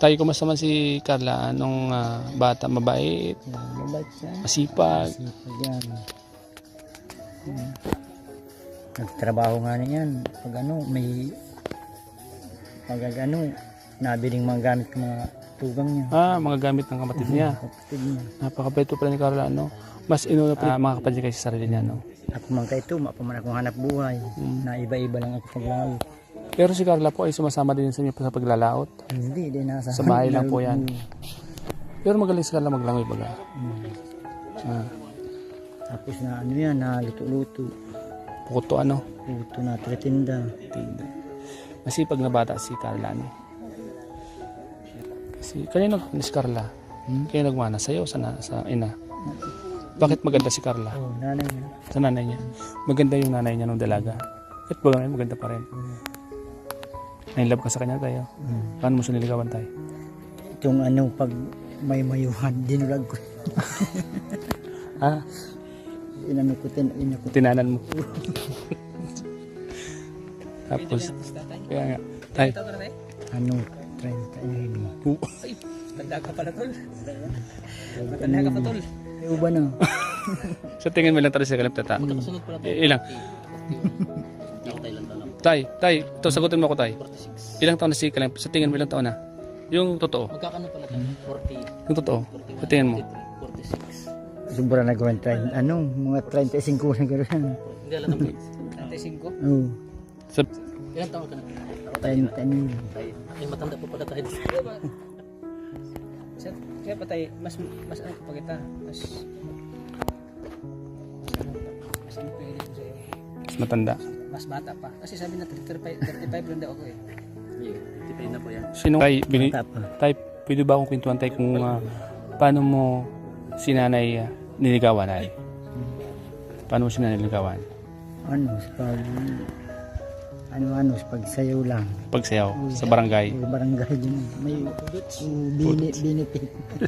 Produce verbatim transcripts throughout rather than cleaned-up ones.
Tayo, kumusta man si Carla? Anong ah, bata? Mabait? Yan, mabait siya. Masipag? Masipag yan. Hmm. Nagtrabaho nga niyan. Pag ano, may pag ano, nabiling mga gamit ng mga tugang niya. Ah, mga gamit ng kapatid niya. Kapatid niya. Napakabait po pala ni Carla, ano? Mas inuna pa ah, mga kapatid niya kaysa sarili niya, no? Ako man kayo ito, mapaman akong hanap buhay. Hmm. Na iba-iba lang ako paglaot. Pero si Carla po ay sumasama din sa inyo sa paglalaot. Hindi, di nasa Sa bahay lang po yan. Hmm. Pero magaling si Carla maglangoy baga. Hmm. Ah, Tapos na ano yan, na luto-luto. bukod to ano? Luto na tritinda. Tinda. Masipag na bata si Carla, no? Kasi kanino nagmana si Carla? Hmm? Kaya nagmana sa'yo, sa, na, sa ina. Bakit maganda si Carla? Oh, nanay niya. Sa nanay niya. Maganda yung nanay niya nung dalaga. Kahit baga ngayon, maganda pa rin. Hmm. Nainlove ka sa kanya tayo. Hmm. Paano mo siya niligawan tayo? Itong ano, pag may mayuhan, dinulag ko. Ah, Inano ko, tin, ina ko. tinanan mo. Tapos, kaya nga, tayo. Ano, trenta yun. Tanda ka pala tol. Tanda Ano, ka pa tol. ay, uba na. Sa tingin mo lang tayo sa kalap tata. Kasunod pala tol. I- ilang? Ako tayo lang taon. Tay, tay, ito sagutin mo ako tay. Ilang taon na si Kalem? Sa tingin mo ilang taon na? Yung totoo. Magkakano pala tayo? forty. Yung totoo. Sa tingin mo. forty-six. Sobra na gawin, trenta, ano, mga trenta-five na gano'n. Hindi alam naman. thirty-five. Oo, Sa, Ilang taon ka na? trenta na yun. Tayo. Ay matanda pa pala tayo. Siya, siya pa tayo. Mas, mas ano pa kita. Mas, mas ano pa yun sa'yo. mas matanda. Mas bata pa. Kasi sabi na thirty-five, thirty-five lang daw ako eh. Yeah, thirty-five na po yan. Sino tay, bini, Bata pa. tay, pwede ba akong kwentuhan tay kung ah, paano mo si nanay ah, niligawan ay? Paano mo si nanay niligawan? Ano, sa pag, ano, ano, sa pagsayaw lang. Pagsayaw sa barangay. May barangay din. May uh, bini, benefit.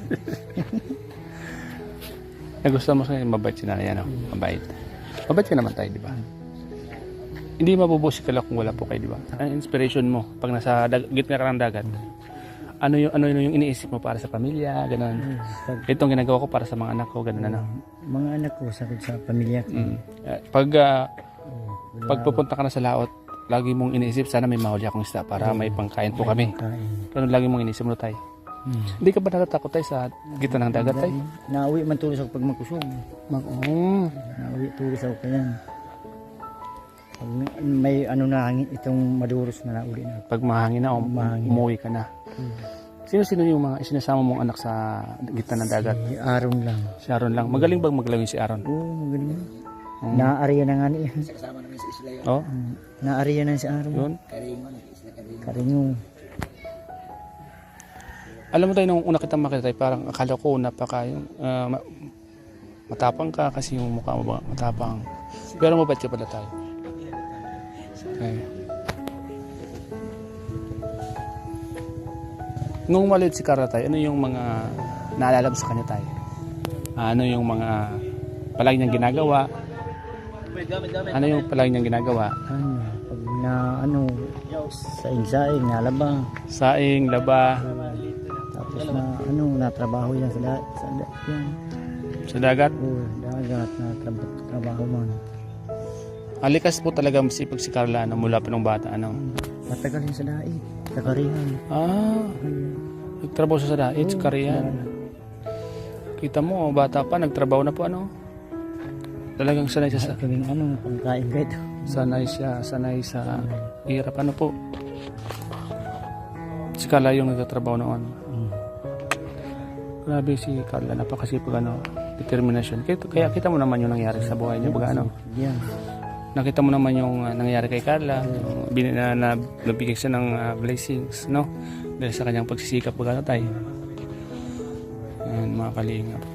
Nagustuhan mo sa mabait si nanay, ano? Mabait. Mabait ka naman tayo, di ba? Hindi mabubuo si Carla kung wala po kayo, di ba? Ang inspiration mo pag nasa dag- gitna ka ng dagat. Ano yung ano yung iniisip mo para sa pamilya, ganun. Pag, Itong ginagawa ko para sa mga anak ko, ganun ano. mga anak ko, sakot sa pamilya ko. Mm. Eh, Pag ah, Wala pag pupunta ka na sa laot, lagi mong iniisip sana may mahuli akong isda para may pangkain po kami. kain. Ganun lagi mong iniisip mo tayo. Hmm. Hindi ka ba natatakot tayo sa gitna ng dagat tayo? Nauwi man tulos ako pag magkusog. Mag oh. Nauwi tulos ako kaya. Pag may ano na hangin, itong maduros na nauli na. Pag mahangin na o Mahangin. umuwi ka na. Sino-sino yung mga isinasama mong anak sa gitna ng dagat? Si Aaron lang. Si Aaron lang. Magaling bang maglawin si Aaron? Oo, magaling. Hmm. Naariya na nga niya. Kasama namin sa isla yun. Oh, Hmm. Naariya na si Aaron. yun. Karingon. Isla Karingon. Karinyo. Alam mo tayo, nung una kitang makita tayo, parang akala ko napaka yung, ah, ma- matapang ka kasi yung mukha mo ba matapang. Pero mabait ka pala tayo. Okay. Nung maliit si Carla tayo, ano yung mga naalala mo sa kanya tayo? Ah, ano yung mga palagi niyang ginagawa? Ano yung palagi niyang ginagawa? Ano, pag na ano, saing-saing, nalaba. Saing, laba, Tapos na ano, natrabaho yan sa da, sa da, yan. sa dagat. Oo, dagat na trabaho, trabaho man. Alikas po talaga masipag si Carla ano, mula pa nung bata. Ano? Matagal yun sa daig, sa Karihan. Ah, nagtrabaho siya sa dait, sa Korean. Kita mo, bata pa, nagtrabaho na po ano. Talagang sanay siya sa... Kaming ano, pagkain ka ito. Sanay siya, sanay sa hirap. Ano po? Si Carla yung nagtatrabaho noon. Mm. Grabe si Carla, napakasipag ano, determination. Kaya, kaya kita mo naman yung nangyari sa buhay niya. Baga ano, Yan. nakita mo naman yung uh, nangyari kay Carla. Yung bin, na, na, nabigyan siya ng uh, blessings, no? Dahil sa kanyang pagsisikap, baga na tayo. Ayan, mga kalingap.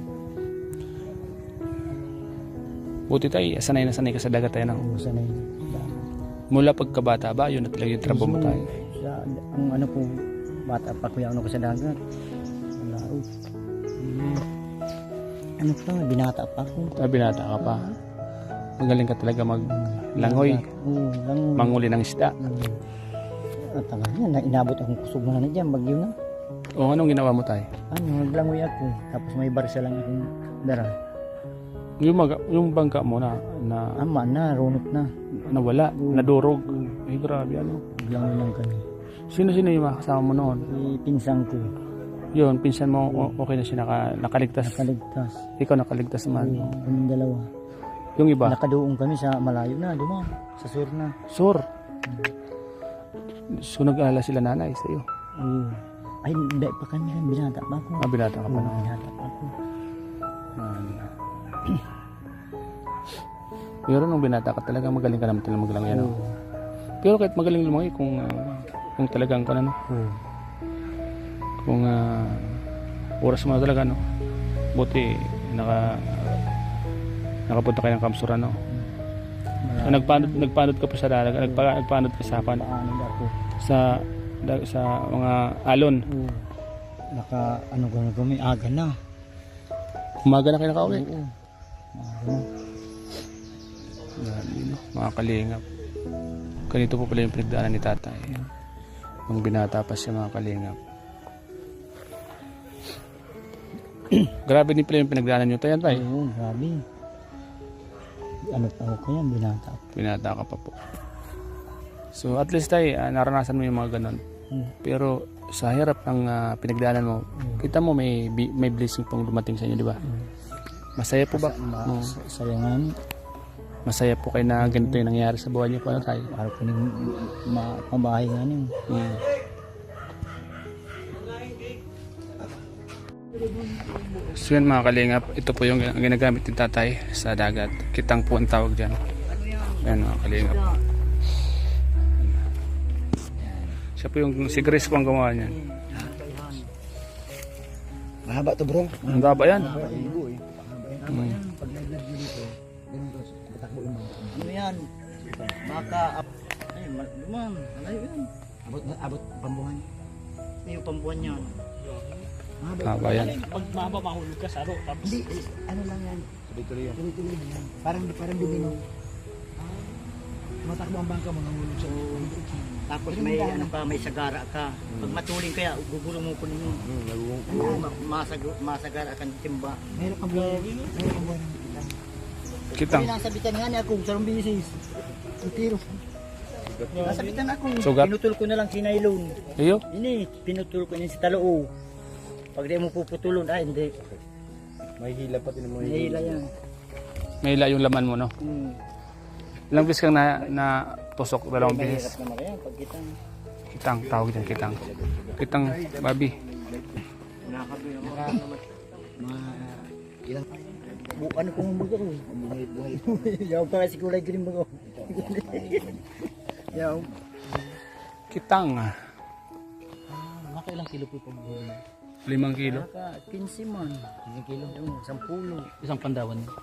Buti tayo, sanay na sanay ka sa dagat tayo, no? Kung sanay. Mula pagkabata ba, yun na talaga yung trabaho mo tayo. Sa, ang ano po, bata pa kuya ano ko sa dagat. Wala o. Mm. Ano pa, binata pa ako. Ah, binata ka pa. Magaling ka talaga maglangoy, Oo, langoy. manguli ng isda. Mm. At tagal yan, na inabot akong kusog na na dyan, bagyo na. O anong ginawa mo tayo? Ano, naglangoy ako. Tapos may barsa lang akong dara. Yung, maga, yung bangka mo na, na Ama na, runot na. nawala, nadurog. Ay grabe ano. Naglangoy lang kami. Sino-sino yung mga kasama mo noon? Si pinsang ko, Yun, pinsan mo o- okay na siya naka, nakaligtas. nakaligtas. Ikaw nakaligtas naman. Oo, kaming dalawa. Yung iba, Nakaduong kami sa malayo na, dumam. Sa sur na. sur. So nag-alala sila nanay sa iyo. Oo. Ay, hindi pa kami yan. Binata pa ako. Ah, binata ka pa Oo, noon. binata pa ako. Yan. Pero nung binata ka talaga magaling ka naman talaga maglangoy ano. Oo. Pero kahit magaling lumangoy kung ah, kung talagang ka ano, Oo. kung ah, oras mo na talaga no. Buti naka nakapunta kayo ng Kamsura no. Ah, nagpanod nagpanod ka pa sa dagat, nagpa, nagpanod ka sa pan Paano na ako? sa da- sa mga alon. Oo. Naka, ano ka na kami, aga na. Umaga na kayo nakauwi. Oo. Aga na. Grabe, no? Mga kalingap. Ganito po pala yung pinagdaanan ni tatay. Nung binata pa siya, mga kalingap. Grabe din pala yung pinagdaanan nyo tayo, tay. Oo, grabe. Ano pa ako kaya, binata ako. Binata ka pa po. So at least tay, ah, naranasan mo yung mga ganon. Oo. Pero sa hirap ng ah, pinagdaanan mo, kita mo may bi- may blessing pong dumating sa inyo, di ba? Masaya po ba? Ma- Oo. Sayangan, Masaya po kayo na ganito yung nangyari sa buhay niyo. Paano tayo? para ko ning mapabahay nga nin. Mm. So yan mga kalingap, ito po yung gin- ginagamit ni tatay sa dagat. Kitang po ang tawag dyan. Yan mga kalingap. Siya po yung, si Grace po ang gumawa niyan. Mahaba to bro. Ang baba yan. Mm. Ano yan? Baka, ay, man, malayo yan. Abot, abot pambuhan. Ano yung pambuhan yan? Haba yan. Pag mahaba mahulog ka sa aro. Tapos Hindi, eh, ano lang yan? Tuloy-tuloy yan. Tuloy-tuloy yan. Parang, parang domino. Matakbo ang bangka, mga hulog sa Tapos may ano pa, may sagara ka. Pag matuling kaya, gugulong mo ko ninyo. Ano, masag masagara ka ng timba. Meron kang buwan. Meron kang buwan. Kitang. Nasa bitan nga niya ako, sarong bisis. Ang tiro. Nasa bitan ako. Sugat. Pinutol ko na lang si nylon. Iyo? Ini, pinutol ko niya si taloo. Pag di mo puputulon, ay hindi. May hila pati ng mga May hila yan. May ila yung laman mo, no? Hmm. Ilang beses kang na, na tusok? Dalawang Mahirap beses. naman kaya pag kita. Kitang, tawag dyan, kitang. Kitang, babi. Ma... Ilang... Bu ano kung bago ko? Buhay, buhay. Yaw pa kasi kulay green bago. Yaw. Kitang. ah. nakailang kilo po pag huli. Limang kilo. Naka, quince man. Isang kilo. Yung, isang pulo. Isang pandawan.